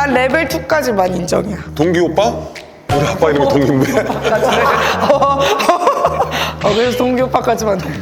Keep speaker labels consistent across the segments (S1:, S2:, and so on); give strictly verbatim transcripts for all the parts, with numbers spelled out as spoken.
S1: 난 레벨 이까지만 인정이야.
S2: 동기 오빠? 우리 아빠 이름이 동기인데.
S1: 어, 그래서 동기 오빠까지만 돼.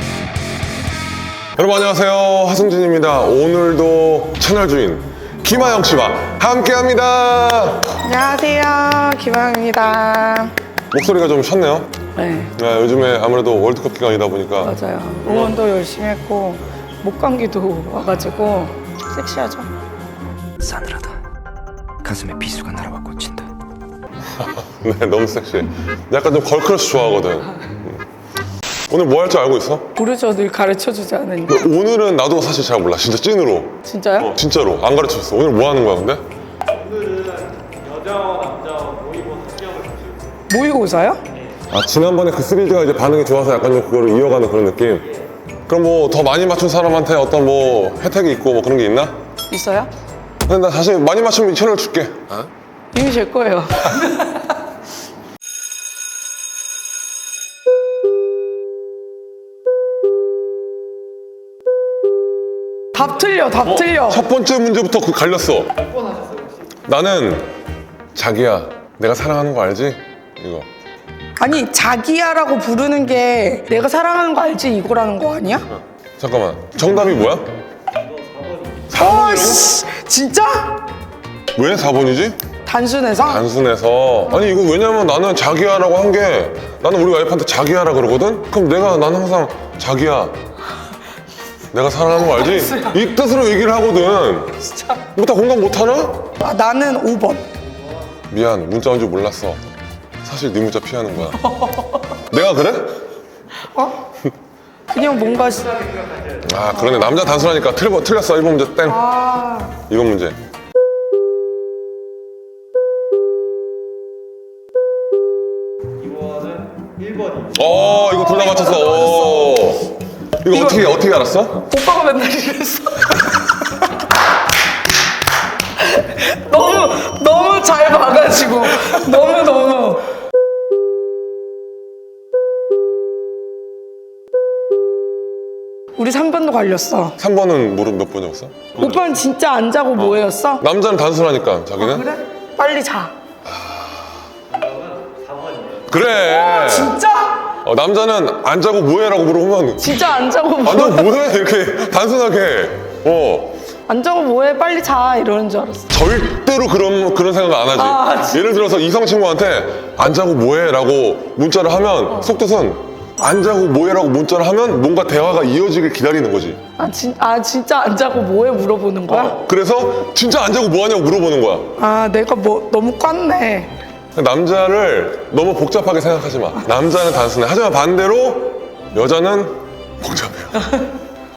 S2: 여러분 안녕하세요, 하승진입니다. 오늘도 채널 주인 김하영 씨와 함께합니다.
S1: 안녕하세요, 김하영입니다.
S2: 목소리가 좀 쉬었네요.
S1: 네,
S2: 네, 요즘에 아무래도 월드컵 기간이다 보니까
S1: 맞아요. 응원도 열심히 했고 목감기도 와가지고 섹시하죠.
S3: 싸늘하다. 가슴에 비수가 날아와 꽂힌다.
S2: 네, 너무 섹시해. 약간 좀 걸크러쉬 좋아하거든. 음. 오늘 뭐 할 줄 알고 있어?
S1: 모르죠, 늘 가르쳐주지 않으니까.
S2: 근데 오늘은 나도 사실 잘 몰라. 진짜 찐으로.
S1: 진짜요?
S2: 어, 진짜로 안 가르쳐줬어. 오늘 뭐 하는 거야 근데?
S1: 모의고사요?
S2: 아, 지난번에 그 시리즈가 이제 반응이 좋아서 약간 좀 그거를 이어가는 그런 느낌? 그럼 뭐 더 많이 맞춘 사람한테 어떤 뭐 혜택이 있고 뭐 그런 게 있나?
S1: 있어요?
S2: 근데 나 사실 많이 맞추면 이 채널 줄게. 어?
S1: 이미 제 거예요. 답 틀려, 답 틀려.
S2: 첫 번째 문제부터 그 갈렸어. 나는 자기야, 내가 사랑하는 거 알지? 이거.
S1: 아니, 자기야라고 부르는 게 내가 사랑하는 거 알지? 이거라는 거 아니야?
S2: 잠깐만. 정답이 뭐야?
S1: 어, 씨, 진짜?
S2: 왜 사 번이지?
S1: 단순해서?
S2: 단순해서. 아니 이거 왜냐면 나는 자기야라고 한 게 나는 우리 와이프한테 자기야라 그러거든? 그럼 내가 나는 항상 자기야 내가 사랑하는 거 알지? 이 뜻으로 얘기를 하거든.
S1: 진짜.
S2: 뭐 다 공감 못하나?
S1: 아, 나는 오 번.
S2: 미안, 문자 온 줄 몰랐어. 사실 네 문자 피하는 거야. 내가 그래?
S1: 어? 그냥 뭔가. 시-
S2: 아 그러네. 남자 단순하니까 틀, 틀렸어. 일 번 문제 땡.
S1: 아,
S2: 이번 문제.
S4: 이거는 일 번이에요.
S2: 어 이거 둘 다 맞췄어. 오. 이거,
S1: 이거-
S2: 어떻게 어떻게 알았어?
S1: 오빠가 맨날 이랬어. 너무, 너무 잘 봐가지고. 너무, 너무. 우리 삼 번도 갈렸어.
S2: 삼 번은 모르 몇 번이었어?
S1: 오빠는 진짜 안 자고 뭐였어?
S2: 남자는 단순하니까 자기는?
S1: 그래? 빨리 자.
S2: 그래.
S1: 진짜?
S2: 어, 남자는 안 자고 뭐해라고 물어보면
S1: 진짜 안 자고
S2: 안
S1: 뭐?
S2: 자고 뭐해 이렇게 단순하게. 어
S1: 안 자고 뭐해? 빨리 자. 이러는 줄 알았어.
S2: 절대로 그런 그런 생각 안 하지.
S1: 아, 진짜?
S2: 예를 들어서 이성 친구한테 안 자고 뭐해라고 문자를 하면 속뜻은 안 자고 뭐해라고 문자를 하면 뭔가 대화가 이어지길 기다리는 거지.
S1: 아, 진, 아 진짜 안 자고 뭐해? 물어보는 거야?
S2: 그래서 진짜 안 자고 뭐하냐고 물어보는 거야.
S1: 아, 내가 뭐 너무 꿨네.
S2: 남자를 너무 복잡하게 생각하지 마. 남자는 단순해. 하지만 반대로 여자는 복잡해요.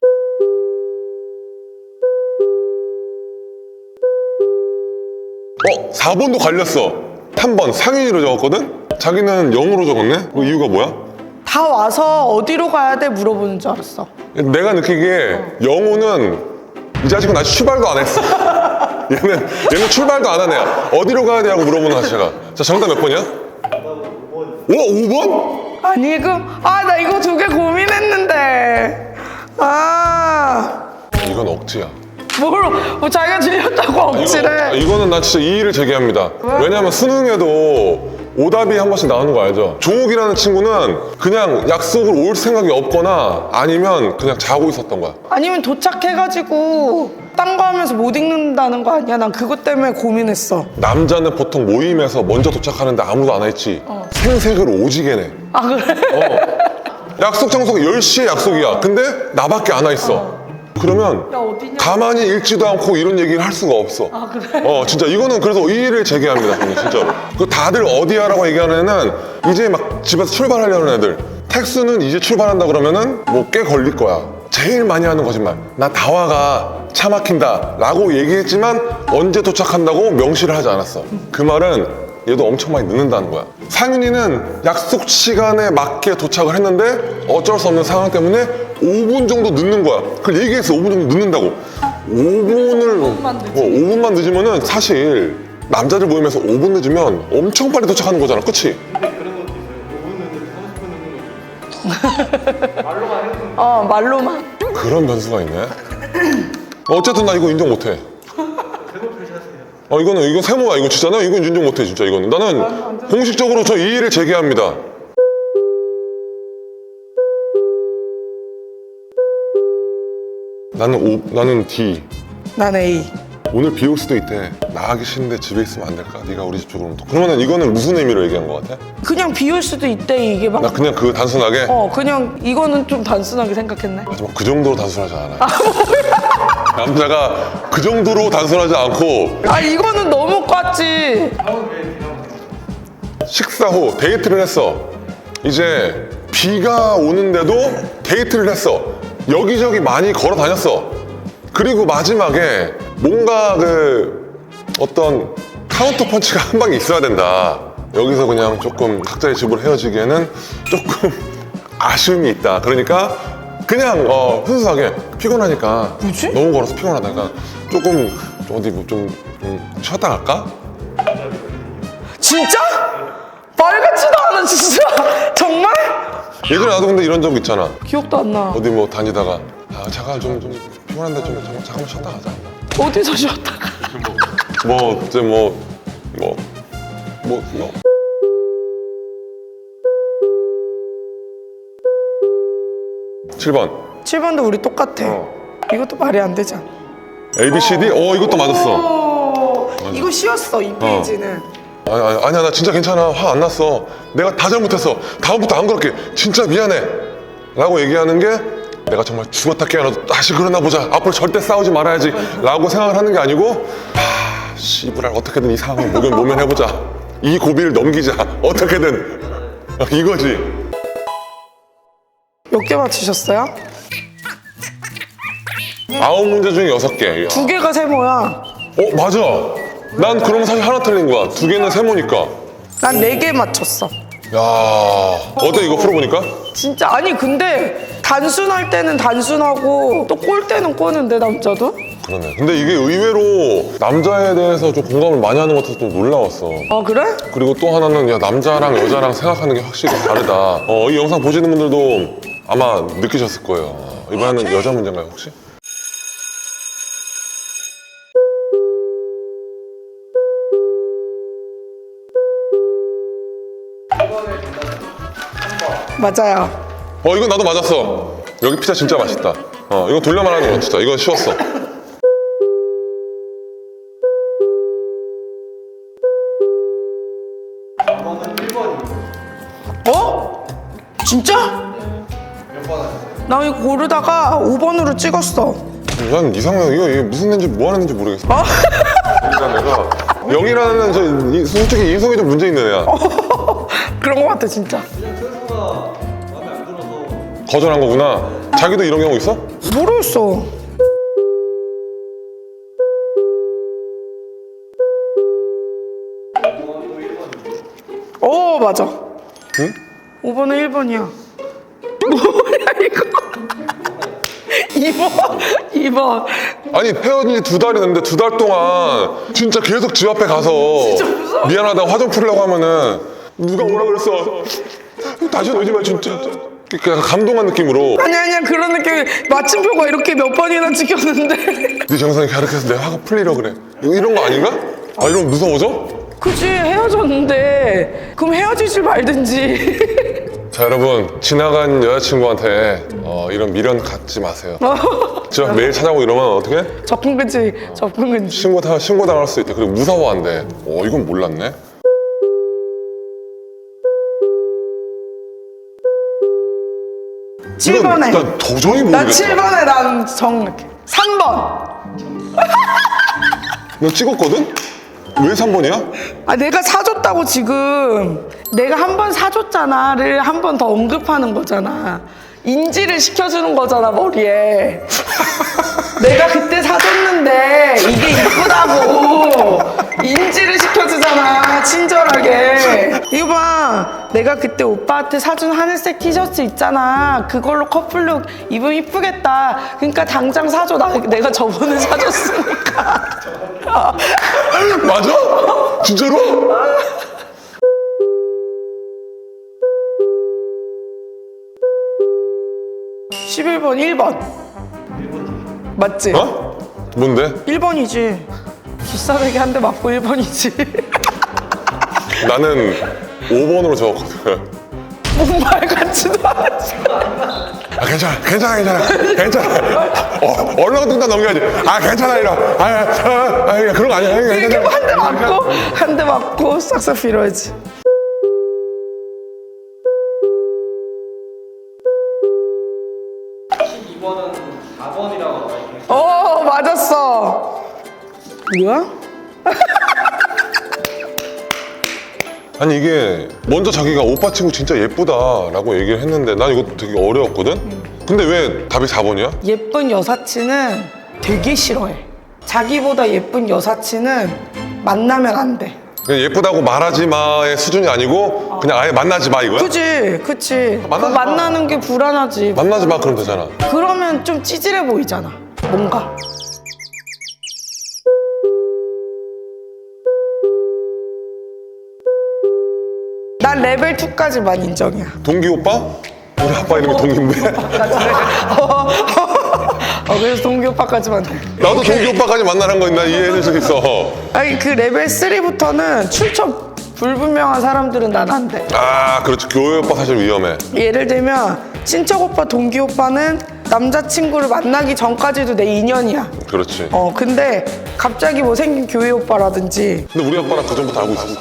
S2: 어? 사 번도 갈렸어. 삼 번 상윤이로 적었거든? 자기는 영으로 적었네? 그 이유가 뭐야?
S1: 다 와서 어디로 가야 돼? 물어보는 줄 알았어.
S2: 내가 느끼기에 영호는 이 자식은 아직 출발도 안 했어. 얘는 얘는 출발도 안 한 애야. 어디로 가야 되냐고 물어보는 자체가. 자, 정답 몇 번이야? 오, 오 번?
S1: 아니, 그, 아, 나 이거 두 개 고민했는데. 아,
S2: 이건 억지야.
S1: 뭘, 뭐 자기가 질렸다고 억지래.
S2: 이거, 이거는 나 진짜 이의를 제기합니다. 왜냐면 수능에도 오답이 한 번씩 나오는 거 알죠? 종욱이라는 친구는 그냥 약속을 올 생각이 없거나 아니면 그냥 자고 있었던 거야.
S1: 아니면 도착해가지고 딴 거 하면서 못 읽는다는 거 아니야? 난 그것 때문에 고민했어.
S2: 남자는 보통 모임에서 먼저 도착하는데 아무도 안 와 있지. 생색을 오지게 내.
S1: 아, 그래?
S2: 어. 약속 장소가 열 시에 약속이야. 근데 나밖에 안 와 있어. 그러면
S1: 야, 어디냐?
S2: 가만히 읽지도 않고 이런 얘기를 할 수가 없어.
S1: 아, 그래?
S2: 어, 진짜 이거는 그래서 이의를 제기합니다, 저는 진짜로. 그 다들 어디야라고 얘기하는 애는 이제 막 집에서 출발하려는 애들. 택수는 이제 출발한다 그러면은 뭐 꽤 걸릴 거야. 제일 많이 하는 거짓말. 나 다와가 차 막힌다 라고 얘기했지만 언제 도착한다고 명시를 하지 않았어. 그 말은 얘도 엄청 많이 늦는다는 거야. 상윤이는 약속 시간에 맞게 도착을 했는데 어쩔 수 없는 상황 때문에 오 분 정도 늦는 거야. 그걸 얘기했어. 오 분 정도 늦는다고. 오 분을 오
S1: 분만 늦으면.
S2: 어, 오 분만 늦으면은 사실 남자들 모임에서 오 분 늦으면 엄청 빨리 도착하는 거잖아. 그치?
S4: 근데 그런 것도 있어요. 오 분 늦는 삼십 분 늦는 것도 있어요. 말로만 해도
S1: 어, 말로만.
S2: 그런 변수가 있네. 어쨌든 나 이거 인정 못해.
S4: 대놓고 하세요.
S2: 아 이거는 이건 세모야. 이거 진짜 나 이건 인정 못해 진짜 이거는. 나는 공식적으로 저 이의를 제기합니다. 나는 O, 나는 D.
S1: 난 A.
S2: 오늘 비 올 수도 있대. 나가기 싫은데 집에 있으면 안 될까? 네가 우리 집 쪽으로. 그러면은 이거는 무슨 의미로 얘기한 것 같아?
S1: 그냥 비올 수도 있대 이게 막.
S2: 나 그냥 그 단순하게.
S1: 어 그냥 이거는 좀 단순하게 생각했네.
S2: 하지만 그 정도로 단순하지 않아. 남자가 그 정도로 단순하지 않고
S1: 아 이거는 너무 깠지.
S2: 식사 후 데이트를 했어. 이제 비가 오는데도 데이트를 했어. 여기저기 많이 걸어 다녔어. 그리고 마지막에 뭔가 그 어떤 카운터 펀치가 한 방에 있어야 된다. 여기서 그냥 조금 각자의 집으로 헤어지기에는 조금 아쉬움이 있다. 그러니까 그냥 어, 순수하게 피곤하니까
S1: 뭐지?
S2: 너무 걸어서 피곤하다니까 조금 어디 뭐 좀 좀 쉬었다 갈까?
S1: 진짜? 말 같지도 않아 진짜. 정말?
S2: 예전에 나도 근데 이런 적 있잖아.
S1: 기억도 안 나.
S2: 어디 뭐 다니다가 아 잠깐 좀, 좀 피곤한데 좀 잠깐, 잠깐만 쉬었다 가자.
S1: 어디서 쉬었다가?
S2: 뭐 이제 뭐 뭐 뭐 뭐. 칠 번
S1: 칠 번도 우리 똑같아.
S2: 어.
S1: 이것도 말이 안 되잖아.
S2: A, B, C, D? 어 이것도 맞았어.
S1: 어, 이거 쉬웠어 이 페이지는.
S2: 아니, 아니, 아니야 나 진짜 괜찮아. 화 안 났어. 내가 다 잘못했어. 다음부터 안 그럴게. 진짜 미안해 라고 얘기하는 게 내가 정말 죽었다 깨어나도 다시 그러나 보자. 앞으로 절대 싸우지 말아야지 라고 생각을 하는 게 아니고 하 씨부랄 어떻게든 이 상황을 모면, 모면해보자. 이 고비를 넘기자. 어떻게든 이거지.
S1: 몇 개 맞히셨어요?
S2: 아홉 문제 중에 여섯 개.
S1: 두 개가 세모야.
S2: 어 맞아. 난 그럼 사실 하나 틀린 거야. 두 개는 세모니까.
S1: 난 네 개 맞췄어.
S2: 야 어때 이거 풀어보니까?
S1: 진짜 아니 근데 단순할 때는 단순하고 또 꼴 때는 꼬는데 남자도?
S2: 그러네. 근데 이게 의외로 남자에 대해서 좀 공감을 많이 하는 것 같아서 좀 놀라웠어.
S1: 아 그래?
S2: 그리고 또 하나는 야 남자랑 여자랑 생각하는 게 확실히 다르다. 어, 이 영상 보시는 분들도 아마 느끼셨을 거예요. 이번에는 여자 문제인가요 혹시?
S1: 맞아요.
S2: 어 이건 나도 맞았어. 여기 피자 진짜 맛있다. 어 이거 돌려 말하는 거 진짜. 이건 쉬웠어.
S1: 어? 진짜? 나 이거 고르다가 오 번으로 찍었어.
S2: 난 이상해. 이거, 이게 무슨 애인지 뭐 하는 애인지 모르겠어.
S1: 어?
S2: 그러니까 내가 영이라는 저 이- 솔직히 인성이 좀 문제 있는 애야.
S1: 그런 거 같아 진짜.
S2: 거절한 거구나. 자기도 이런 경우 있어?
S1: 모르겠어. 어 맞아.
S2: 응?
S1: 오 번은 일 번이야. 뭐야 이거? 이 번, 이 번.
S2: 아니 헤어진 지 두 달이 됐는데 두 달 동안 진짜 계속 집 앞에 가서
S1: 무서워.
S2: 미안하다고 화 좀 풀려고 하면은 누가 뭐라 그랬어? 다시 오지 마 진짜. 그냥 감동한 느낌으로
S1: 아니 아니야 그런 느낌. 마침표가 이렇게 몇 번이나 찍혔는데.
S2: 네 정상이 가르쳐서 내 화가 풀리려 그래. 이런 거 아닌가? 아 이러면 무서워져?
S1: 그치 헤어졌는데 그럼 헤어지지 말든지.
S2: 자 여러분 지나간 여자친구한테 어, 이런 미련 갖지 마세요. 저 매일 찾아오고 이러면 어떻게?
S1: 접근 금지, 접근 금지.
S2: 신고 다 신고 당할 수 있대. 그리고 무서워한대. 어 이건 몰랐네.
S1: 칠 번에.
S2: 이건 난 도저히
S1: 나
S2: 모르겠어.
S1: 칠 번에 난 정확해. 삼 번.
S2: 너 찍었거든? 왜 삼 번이야?
S1: 아 내가 사줬다고 지금 내가 한 번 사줬잖아를 한 번 더 언급하는 거잖아. 인지를 시켜주는 거잖아 머리에. 내가 그때 사줬는데 이게 이쁘다고 인지를 시켜주잖아 친절하게. 이거 봐 내가 그때 오빠한테 사준 하늘색 티셔츠 있잖아 그걸로 커플룩 입으면 이쁘겠다 그러니까 당장 사줘. 나, 내가 저번에 사줬으니까.
S2: 맞아? 진짜로?
S1: 십일 번 일 번 맞지?
S2: 어? 뭔데?
S1: 일 번이지 뒷사대기 한 대 맞고 일 번이지.
S2: 나는 오 번으로 적었거든.
S1: 뭔 말 같지도 않았어.
S2: 아, 괜찮아, 괜찮아, 괜찮아, 괜찮아. 어, 얼렁뚱땅 넘겨야지. 아, 괜찮아, 이러. 아, 아, 아, 아, 그런 거 아니야.
S1: 이렇게
S2: 괜찮아.
S1: 한 대 맞고 한 대 맞고 싹싹 빌어야지.
S4: 십이 번은 사 번이라고 나와 있는
S1: 어 맞았어. 뭐야?
S2: 아니, 이게 먼저 자기가 오빠 친구 진짜 예쁘다라고 얘기를 했는데 난 이거 되게 어려웠거든? 근데 왜 답이 사 번이야?
S1: 예쁜 여사친은 되게 싫어해. 자기보다 예쁜 여사친은 만나면 안 돼.
S2: 그냥 예쁘다고 말하지 마의 수준이 아니고 그냥 아예 만나지 마 이거야?
S1: 그치, 그치. 그
S2: 만나지 마.
S1: 만나는 게 불안하지.
S2: 만나지 마 그러면 되잖아.
S1: 그러면 좀 찌질해 보이잖아. 뭔가. 난 레벨 이까지만 인정이야.
S2: 동기 오빠? 우리 아빠 이름이 동기인데?
S1: 어, 그래서 동기 오빠까지만.
S2: 나도 동기 오빠까지 만나는 건 나 이해해줄 수 있어.
S1: 아니, 그 레벨 삼부터는 출처 불분명한 사람들은 난 안 돼.
S2: 아, 그렇지. 교회 오빠 사실 위험해.
S1: 예를 들면 친척 오빠, 동기 오빠는 남자친구를 만나기 전까지도 내 인연이야.
S2: 그렇지.
S1: 어, 근데 갑자기 뭐 생긴 교회 오빠라든지
S2: 근데 우리 아빠랑 그 전부터 알고 있었어.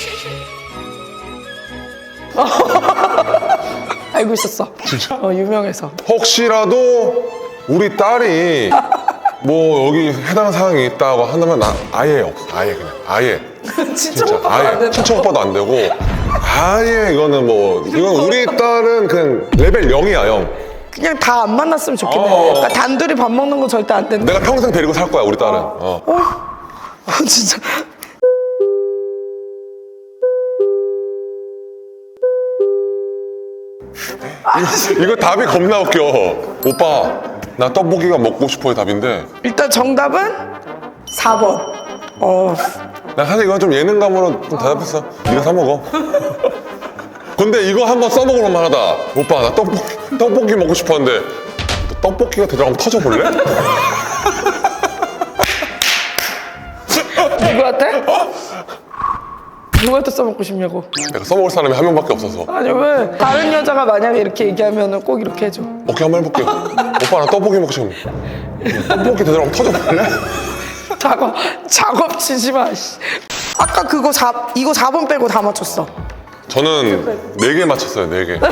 S1: 알고 있었어.
S2: 진짜?
S1: 어, 유명해서.
S2: 혹시라도 우리 딸이 뭐 여기 해당 사항이 있다고 한다면 나 아예 없어. 아예 그냥. 아예.
S1: 친척
S2: 진짜
S1: 오빠가 안
S2: 아예.
S1: 된다.
S2: 친척 오빠도 안 되고 아예 이거는 뭐 이건 우리 딸은 그냥 레벨 영이야 영.
S1: 그냥 다 안 만났으면 좋겠네.
S2: 어.
S1: 그러니까 단둘이 밥 먹는 거 절대 안 된다.
S2: 내가 평생 데리고 살 거야 우리 딸은. 어.
S1: 어, 진짜.
S2: 이거 답이 겁나 웃겨. 오빠 나 떡볶이가 먹고 싶어의 답인데
S1: 일단 정답은 사 번. 어,
S2: 나 사실 이건 좀 예능감으로 좀 대답했어. 네가 사 먹어. 근데 이거 한번 써먹을 만하다. 오빠 나 떡볶이 떡볶이 먹고 싶었는데 너 떡볶이가 되더라 한번 터져볼래?
S1: 누구한테? 누구한테 써먹고 싶냐고.
S2: 내가 써먹을 사람이 한 명밖에 없어서.
S1: 아니, 왜? 다른 여자가 만약에 이렇게 얘기하면 꼭 이렇게 해줘.
S2: 오케이 한번 해볼게. 오빠 나 떡볶이 먹고 싶어. 떡볶이 되더라 한번 터져볼래?
S1: 작업, 작업 치지 마, 씨. 아까 그거 사, 이거 사 번 빼고 다 맞췄어.
S2: 저는 네 개 맞췄어요. 네 개.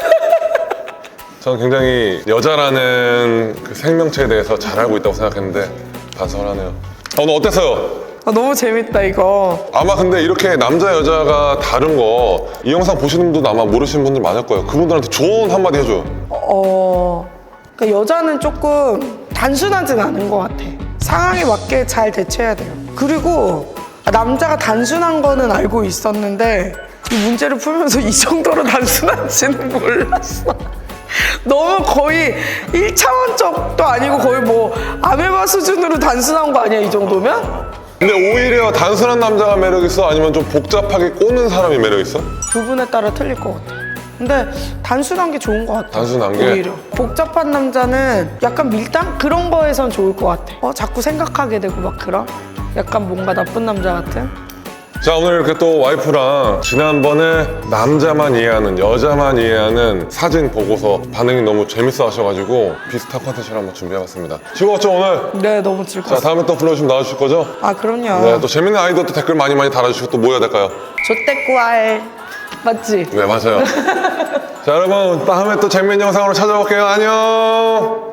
S2: 저는 굉장히 여자라는 그 생명체에 대해서 잘 알고 있다고 생각했는데 반성하네요. 아, 오늘 어땠어요?
S1: 아, 너무 재밌다, 이거.
S2: 아마 근데 이렇게 남자 여자가 다른 거 이 영상 보시는 분들도 아마 모르시는 분들 많을 거예요. 그분들한테 조언 한마디 해줘요.
S1: 어, 그러니까 여자는 조금 단순하진 않은 것 같아. 상황에 맞게 잘 대처해야 돼요. 그리고 남자가 단순한 거는 알고 있었는데 이 문제를 풀면서 이 정도로 단순한지는 몰랐어. 너무 거의 일 차원적도 아니고 거의 뭐 아메바 수준으로 단순한 거 아니야, 이 정도면?
S2: 근데 오히려 단순한 남자가 매력 있어? 아니면 좀 복잡하게 꼬는 사람이 매력 있어?
S1: 부분에 따라 틀릴 것 같아. 근데 단순한 게 좋은 것 같아.
S2: 단순한 게?
S1: 오히려. 복잡한 남자는 약간 밀당? 그런 거에선 좋을 것 같아. 어, 자꾸 생각하게 되고 막 그런? 약간 뭔가 나쁜 남자 같은?
S2: 자, 오늘 이렇게 또 와이프랑 지난번에 남자만 이해하는, 여자만 이해하는 사진 보고서 반응이 너무 재밌어 하셔가지고 비슷한 컨텐츠를 한번 준비해봤습니다. 즐거웠죠, 오늘?
S1: 네, 너무
S2: 자,
S1: 즐거웠어.
S2: 다음에 또 불러주시면 나와주실 거죠?
S1: 아, 그럼요.
S2: 네, 또 재밌는 아이디어 또 댓글 많이 많이 달아주시고 또 뭐 해야 될까요?
S1: 조떼꾸알. 맞지?
S2: 네, 맞아요. 자, 여러분, 다음에 또 재밌는 영상으로 찾아올게요. 안녕!